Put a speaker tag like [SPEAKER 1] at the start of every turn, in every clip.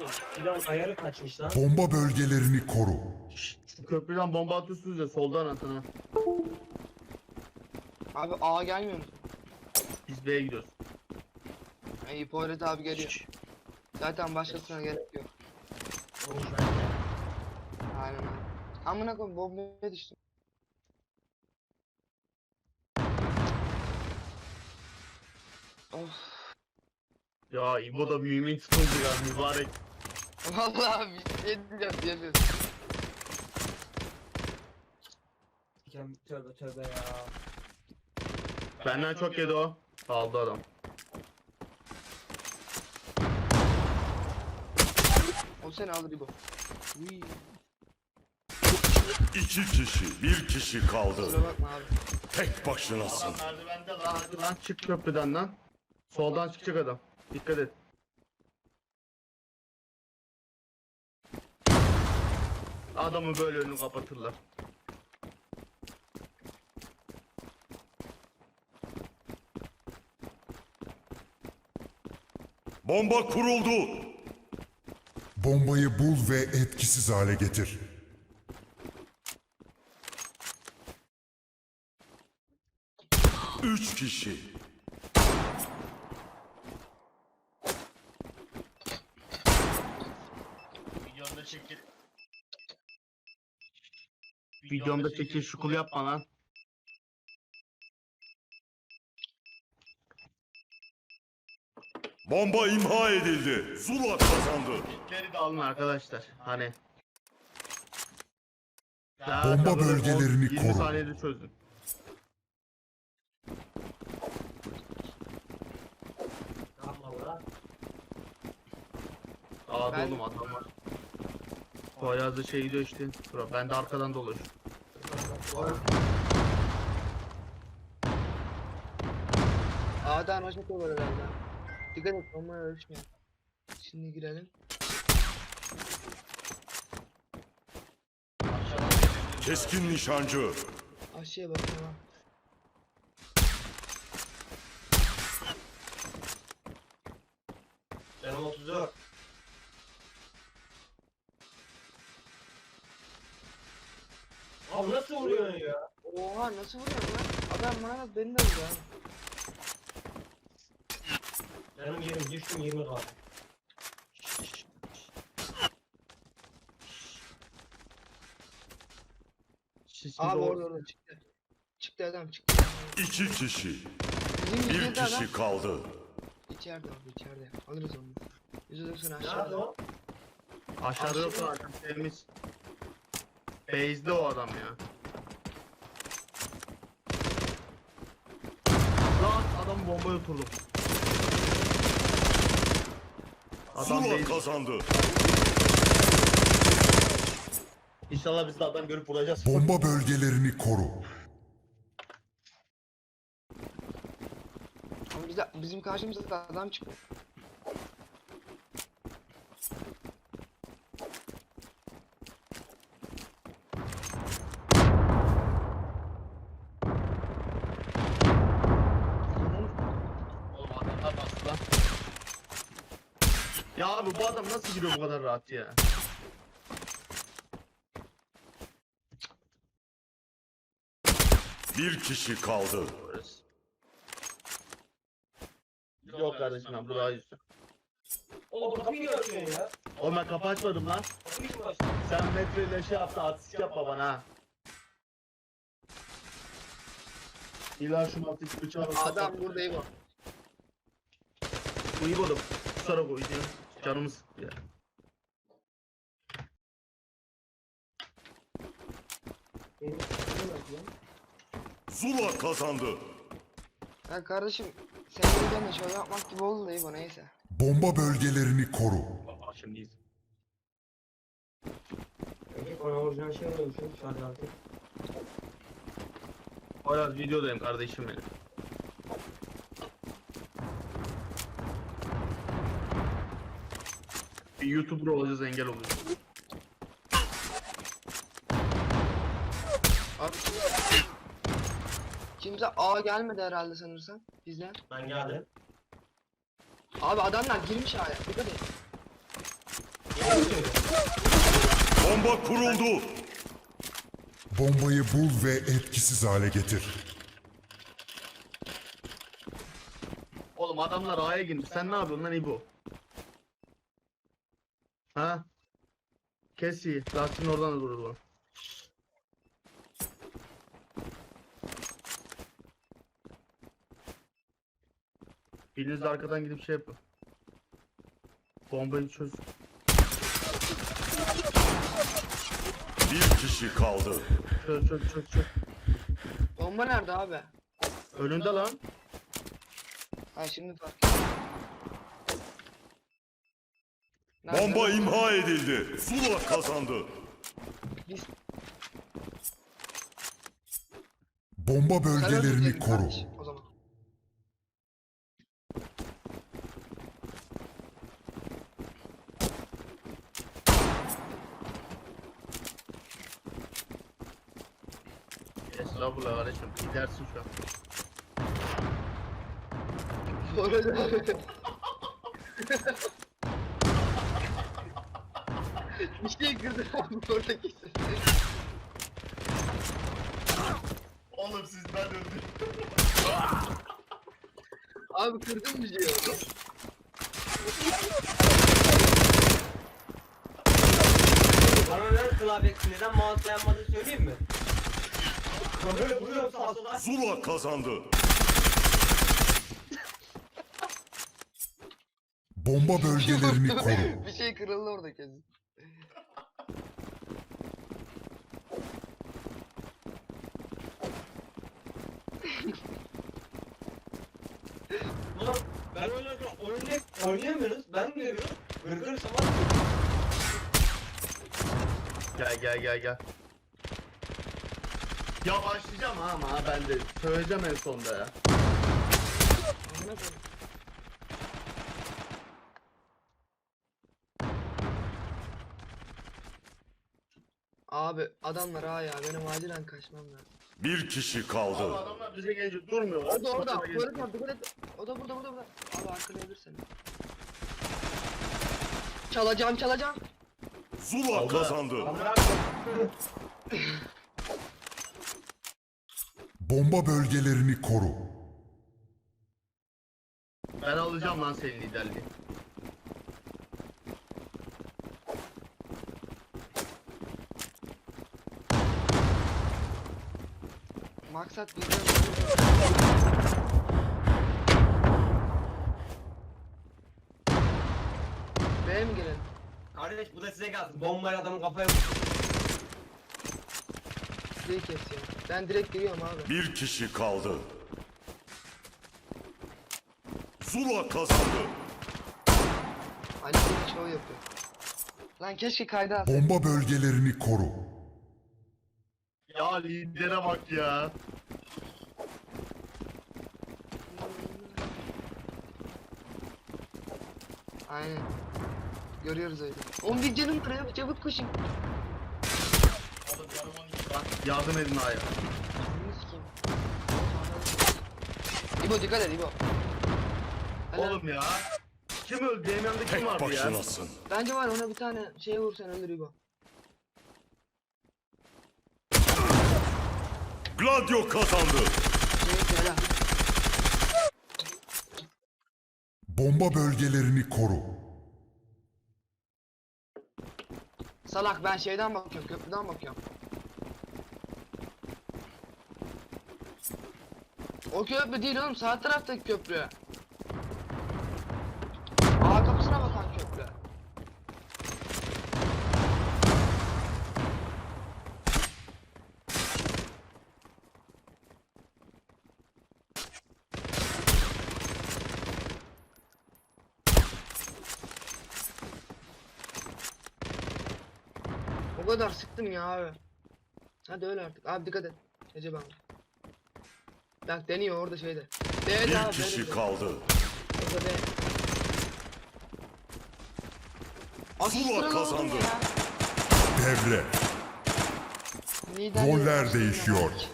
[SPEAKER 1] Plan ayarı kaçmış lan.
[SPEAKER 2] Bomba bölgelerini koru.
[SPEAKER 3] Şu köprüden bomba atıyorsunuz ya soldan atın ha.
[SPEAKER 4] Abi A gelmiyor mu?
[SPEAKER 3] Biz B'ye gidiyoruz.
[SPEAKER 4] İyi Poyraz abi geliyor. Zaten başkasına gerek yok.
[SPEAKER 1] Olmuş bence.
[SPEAKER 4] Aynen abi. Amına koyayım bombaya düştüm. Of.
[SPEAKER 3] Ya İbo da mümin tutuldu ya mübarek.
[SPEAKER 4] Vallahi bir şey diyeceğim diyemiyorum.
[SPEAKER 1] Tövbe tövbe ya.
[SPEAKER 3] Benden çok yedi o. Aldı adam.
[SPEAKER 4] O seni alır İbo. Uy.
[SPEAKER 5] İki kişi, bir kişi kaldı.
[SPEAKER 4] Kusura bakma abi.
[SPEAKER 5] Tek başınasın.
[SPEAKER 3] Adam merdivende lan hadi lan çık köprüden lan. Soldan çıkacak adam. Dikkat et. Adamı böyle önünü kapatırlar.
[SPEAKER 5] Bomba kuruldu.
[SPEAKER 2] Bombayı bul ve etkisiz hale getir.
[SPEAKER 5] Üç kişi.
[SPEAKER 3] Videomda çekil. Videomda çekil şukul yapma lan.
[SPEAKER 5] Bomba imha edildi. Zula kazandı.
[SPEAKER 3] Kitleri de alın arkadaşlar. Hani.
[SPEAKER 2] Bomba bölgelerini
[SPEAKER 3] 20
[SPEAKER 2] koru.
[SPEAKER 3] saniyede çözün.
[SPEAKER 1] Yapma bura.
[SPEAKER 3] Aa
[SPEAKER 4] Ben-
[SPEAKER 3] oğlum adam var. Poyraz'da şey gidiyor işte. Bura ben de arkadan dolaşıyorum.
[SPEAKER 4] A'dan aşağı koyuyor herhalde. Dikkat et bombaya ölçmeyin. Şimdi girelim.
[SPEAKER 5] Keskin nişancı.
[SPEAKER 4] Aşağıya bak tamam.
[SPEAKER 1] Canım 34. Abi nasıl vuruyorsun ya?
[SPEAKER 4] Oha nasıl vuruyorsun lan? Adam bana beni de vuruyor abi.
[SPEAKER 1] Canım 20 düştüm 20 kaldı.
[SPEAKER 4] Abi orada çıktı. Çıktı adam çıktı.
[SPEAKER 5] İki kişi.
[SPEAKER 4] Bizim
[SPEAKER 5] Bir
[SPEAKER 4] yüzde adam.
[SPEAKER 5] kişi kaldı.
[SPEAKER 4] İçeride abi içeride. Alırız onu. %90
[SPEAKER 1] Nerede
[SPEAKER 4] aşağıda.
[SPEAKER 1] o?
[SPEAKER 3] Aşağıda yok zaten temiz. Base'de o adam ya. Lan adam bombaya oturdum. Adam
[SPEAKER 5] Zula
[SPEAKER 3] base.
[SPEAKER 5] kazandı.
[SPEAKER 3] İnşallah biz de adam görüp vuracağız.
[SPEAKER 2] Bomba bölgelerini koru.
[SPEAKER 4] Ama bizim karşımızda da adam çıktı.
[SPEAKER 3] Oğlum adamlar bastı lan. Ya abi bu adam nasıl giriyor bu kadar rahat ya?
[SPEAKER 5] Bir kişi kaldı.
[SPEAKER 3] Yok kardeşim ben burayı yüzüm.
[SPEAKER 1] Oğlum kapıyı niye açıyorsun ya?
[SPEAKER 3] Oğlum ben kapı açmadım lan.
[SPEAKER 1] Kapıyı kim açtı?
[SPEAKER 3] Sen metreyle şey yaptı artistik yapma bana ha. İlla şu artistik bıçağı
[SPEAKER 4] Adam burada iyi bak.
[SPEAKER 3] Bu iyi oğlum. Kusura koyacağım. Canımı sıktı ya.
[SPEAKER 1] Benim kapıyı niye açıyorsun?
[SPEAKER 5] Zula kazandı.
[SPEAKER 4] Ya kardeşim senin yüzünden de şöyle yapmak gibi oldu da iyi bu neyse.
[SPEAKER 2] Bomba bölgelerini koru.
[SPEAKER 3] Baba şimdi iyiyiz.
[SPEAKER 1] Peki bana orijinal şey alıyormuşum şu an artık.
[SPEAKER 3] Hala videodayım kardeşim benim. Bir YouTuber olacağız engel oluyoruz.
[SPEAKER 4] Abi kimse A gelmedi herhalde sanırsam bizden.
[SPEAKER 1] Ben geldim.
[SPEAKER 4] Abi adamlar girmiş A'ya dikkat et.
[SPEAKER 5] Bomba kuruldu.
[SPEAKER 2] Bombayı bul ve etkisiz hale getir.
[SPEAKER 3] Oğlum adamlar A'ya girmiş. Sen ne yapıyorsun lan İbo? Ha? Kes iyi. Lastiğin oradan da durur bu. Biriniz de arkadan gidip şey yapın. Bombayı çöz.
[SPEAKER 5] Bir kişi kaldı.
[SPEAKER 3] Çöz.
[SPEAKER 4] Bomba nerede abi?
[SPEAKER 3] Önünde lan.
[SPEAKER 4] Ha şimdi fark ettim. Nerede?
[SPEAKER 5] Bomba imha edildi. Zula kazandı.
[SPEAKER 4] Biz
[SPEAKER 2] Bomba bölgelerini
[SPEAKER 4] öldürdün
[SPEAKER 2] koru.
[SPEAKER 4] kardeş o zaman.
[SPEAKER 3] Estağfurullah kardeşim. Gidersin şu an.
[SPEAKER 4] Orada bir şey kırdı abi orada kesin.
[SPEAKER 3] Oğlum sizden öldü.
[SPEAKER 4] Abi kırdın bir şey oldu.
[SPEAKER 1] Bana ver klavyesi neden mouse dayanmadığını söyleyeyim mi? Ben böyle vuruyorum sağa sola.
[SPEAKER 5] Zula kazandı.
[SPEAKER 2] Bomba bölgelerini koru.
[SPEAKER 4] Bir şey kırıldı orada kesin.
[SPEAKER 1] Ulan ben oynarken oynayamıyoruz. Ben geliyorum. Gırgır sabah.
[SPEAKER 3] Gel. Ya başlayacağım ha ama ben de söyleyeceğim en sonda ya.
[SPEAKER 4] Amına koyayım. Abi adamlar ha ya benim acilen kaçmam lazım.
[SPEAKER 5] Bir kişi
[SPEAKER 3] Abi
[SPEAKER 5] kaldı.
[SPEAKER 3] adamlar bize gelince durmuyorlar.
[SPEAKER 4] Orada
[SPEAKER 3] Sonra geliyor.
[SPEAKER 4] Barış abi dikkat et. O da burada. Abi arkalayabilir seni. Çalacağım.
[SPEAKER 5] Zula
[SPEAKER 3] Aldı.
[SPEAKER 5] kazandı.
[SPEAKER 2] Bomba bölgelerini koru.
[SPEAKER 3] Ben alacağım lan senin liderliği.
[SPEAKER 4] Maksat bizden. B'ye mi gelelim?
[SPEAKER 1] Kardeş bu da size gelsin. Bombayla adamın kafaya vurdu.
[SPEAKER 4] D'yi kes ya. Ben direkt giriyorum abi.
[SPEAKER 5] Bir kişi kaldı. Zula kazandı.
[SPEAKER 4] Ali bir çoğu yapıyor. Lan keşke kayda alsaydım.
[SPEAKER 2] Bomba bölgelerini koru.
[SPEAKER 3] Ya lidere bak ya.
[SPEAKER 4] Aynen. Görüyoruz öyle. 11 canım var ya çabuk koşun.
[SPEAKER 3] Yardım edin A'ya.
[SPEAKER 4] Bunu sikeyim. İbo dikkat et İbo. Helal.
[SPEAKER 3] Oğlum ya. Kim öldü? Benim yanımda kim
[SPEAKER 5] Tek
[SPEAKER 3] vardı ya?
[SPEAKER 5] başınasın.
[SPEAKER 4] Bence var ona bir tane şey vursan ölür İbo.
[SPEAKER 5] Gladio kazandı.
[SPEAKER 4] Şey helal.
[SPEAKER 2] Bomba bölgelerini koru.
[SPEAKER 4] Salak ben şeyden bakıyorum köprüden bakıyorum. O köprü değil oğlum sağ taraftaki köprü. A kapısına bakan köprü. O kadar sıktım ya abi. Hadi öyle artık. Abi dikkat et. Recep abi. Bak deniyor orada şeyde. Evet
[SPEAKER 5] Bir
[SPEAKER 4] abi,
[SPEAKER 5] kişi
[SPEAKER 4] benim de.
[SPEAKER 5] kaldı.
[SPEAKER 4] Orada de. Asist
[SPEAKER 5] Zula
[SPEAKER 4] kralı
[SPEAKER 5] kazandı.
[SPEAKER 4] oldum ya.
[SPEAKER 2] Devre.
[SPEAKER 4] Lider
[SPEAKER 2] Roller
[SPEAKER 4] yarışında
[SPEAKER 2] değişiyor.
[SPEAKER 4] bak.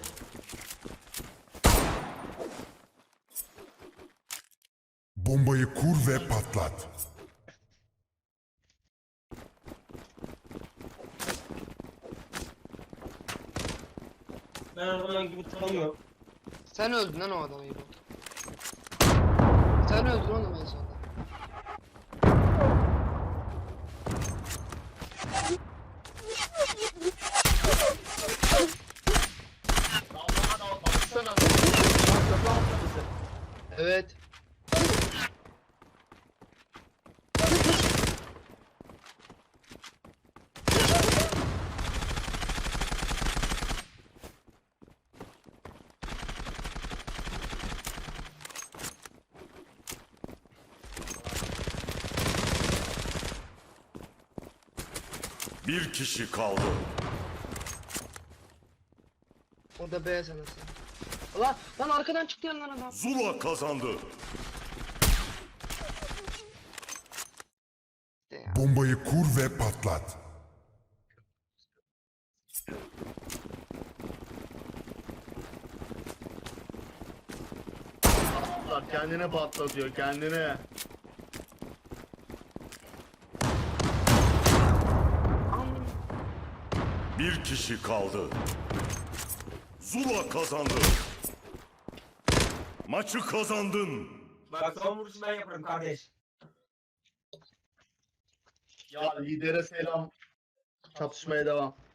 [SPEAKER 2] Bombayı kur ve patlat.
[SPEAKER 1] Ben o zaman gibi tanıyorum.
[SPEAKER 4] Sen öldün lan o adamı İbo. Sen öldün oğlum en sonunda.
[SPEAKER 3] Baksana.
[SPEAKER 4] Evet.
[SPEAKER 5] Bir kişi kaldı.
[SPEAKER 4] O da B sanırsın. Lan arkadan çıktı yandan adam.
[SPEAKER 5] Zula kazandı.
[SPEAKER 4] İşte ya.
[SPEAKER 2] Bombayı kur ve patlat.
[SPEAKER 3] Kendine patlatıyor kendine.
[SPEAKER 4] Am-
[SPEAKER 5] Bir kişi kaldı. Zula kazandı. Maçı kazandın.
[SPEAKER 1] Bak son vuruşu ben yaparım kardeş.
[SPEAKER 3] Ya lidere selam. Çatışmaya devam.